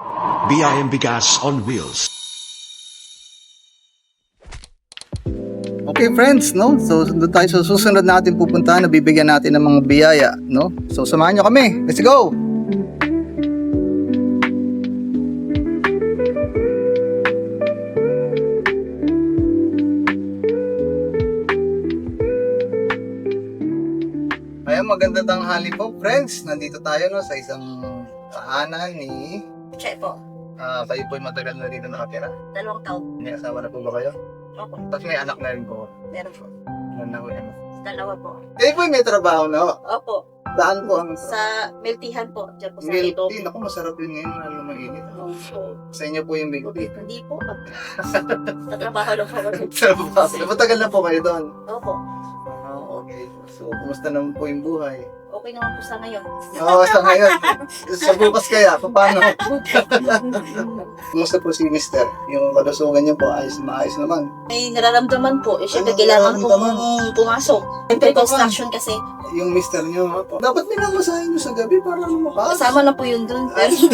BIM Bigas on Wheels. Okay friends, no? So doon tayo sa susunod natin pupuntahan na bibigyan natin ng mga biyaya, no? So samahan nyo kami. Let's go! Ayan, magandang tanghali po friends. Nandito tayo no sa isang tahanan ni... Check po. Kayo po'y matagal na dito nakatira. 2 taon. May asawa na po ba kayo? Opo. Tapos may anak na rin po. Meron po. Ano na po yan? 2 po. Kayo po'y may trabaho na ho. Opo. Saan po ang... Sa Miltihan po. Diyan po sa Milk Ito. tea. Naku, masarap yun ngayon. Lalo mainit. Opo. Sa inyo po yung milk tea. Hindi po. Tatrabaho lang po ako. Matagal na po kayo doon. Opo. Okay. So, kumusta naman po yung buhay? Okay naman po sa ngayon. Oo, sa ngayon. Sa bukas kaya, paano? Kumusta po si Mister? Yung kalusugan niyo po, maayos naman. May nararamdaman po. Eh, syempre Ano kailangan nararamdaman? pong pumasok. Siyempre construction kasi. Yung Mister niyo, dapat minamasahin niyo sa gabi para lumakas. Kasama na po yun dun.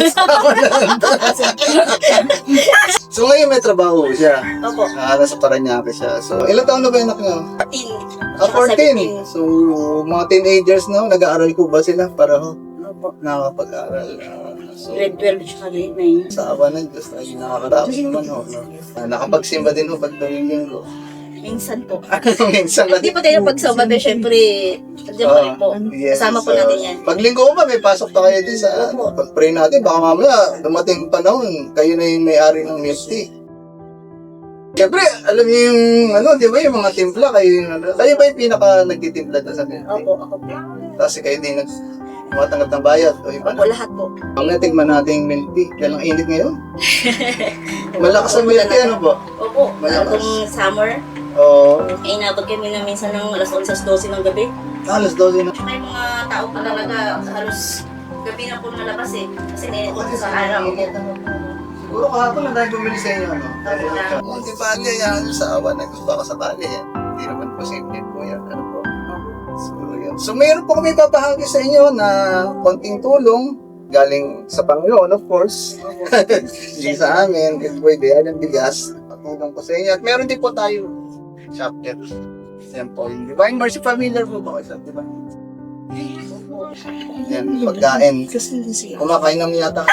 So ngayon may trabaho siya. Opo. Nasa Paranaque siya. So ilang taon na ba yung anak niyo? 14. 14. So mga teenagers na, nag-aaral ko ba sila para Opo. nakakapag-aral? So Grade 12 siya grade 9. sa awa ng Diyos ay nakakatapos naman ho. No? Nakapagsimba din ho pag tuwing ko. Minsan po. Minsan na Hindi po tayo pagsama, pero syempre, nandiyan pa rin po. yes, Kasama po natin yan. Pag linggo ko ba, may pasok pa kayo din sa pag-pray natin. Baka mamaya, dumating panahon, kayo na yung may-ari ng milk tea. Siyempre, alam niyo yung, di ba yung mga timpla, kayo ba yung pinaka nagtitimpla doon sa milk tea? Opo, ako po. Kasi kayo din tumatanggap ng bayad. O iba Opo, na. lahat po. Ang natigman natin yung milk tea, kaya lang init ngayon. Malakas ang milk tea, ano po? Opo, Malakas. itong summer, Oo. ay inabot kami na minsan ng alas 11-12 ng gabi. Alas 12 na. May mga tao pa talaga halos gabi na po nalabas eh. Kasi nainit po sa araw. Siguro kahapon na tayo bumili sa inyo, ano? Munti pa niya yan sa awa na gusto ka sakali yan. Hindi naman posible po yan, ano po. So, yun. So, mayroon po kami papahagi sa inyo na konting tulong galing sa Panginoon, of course. Hindi sa amin, ito po yung ng bigas. Patulong ko sa inyo. At meron din po tayo chapter. Yan po, yung Divine Mercy. Familiar po ba kayo sa Divine Mercy? Yan, pagkain. Kumakain naman yata.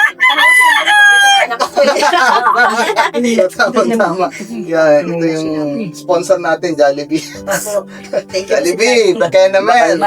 Tama. Yan, ito yung sponsor natin, Jollibee. Jollibee, kaya naman.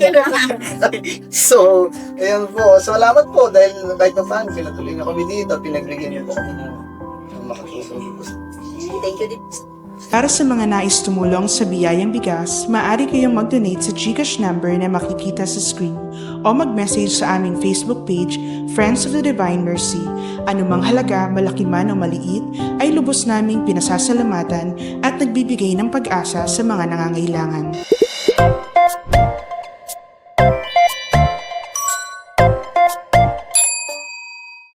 So, ayan po. Salamat po dahil kahit pa paano, pinatuloy niyo kami dito, pinagbigyan niyo po kami ng makatulong. Thank you din. Para sa mga nais tumulong sa Biyayang Bigas, maaari kayong mag-donate sa GCash number na makikita sa screen o mag-message sa aming Facebook page, Friends of the Divine Mercy. Anumang halaga, malaki man o maliit, ay lubos naming pinasasalamatan at nagbibigay ng pag-asa sa mga nangangailangan.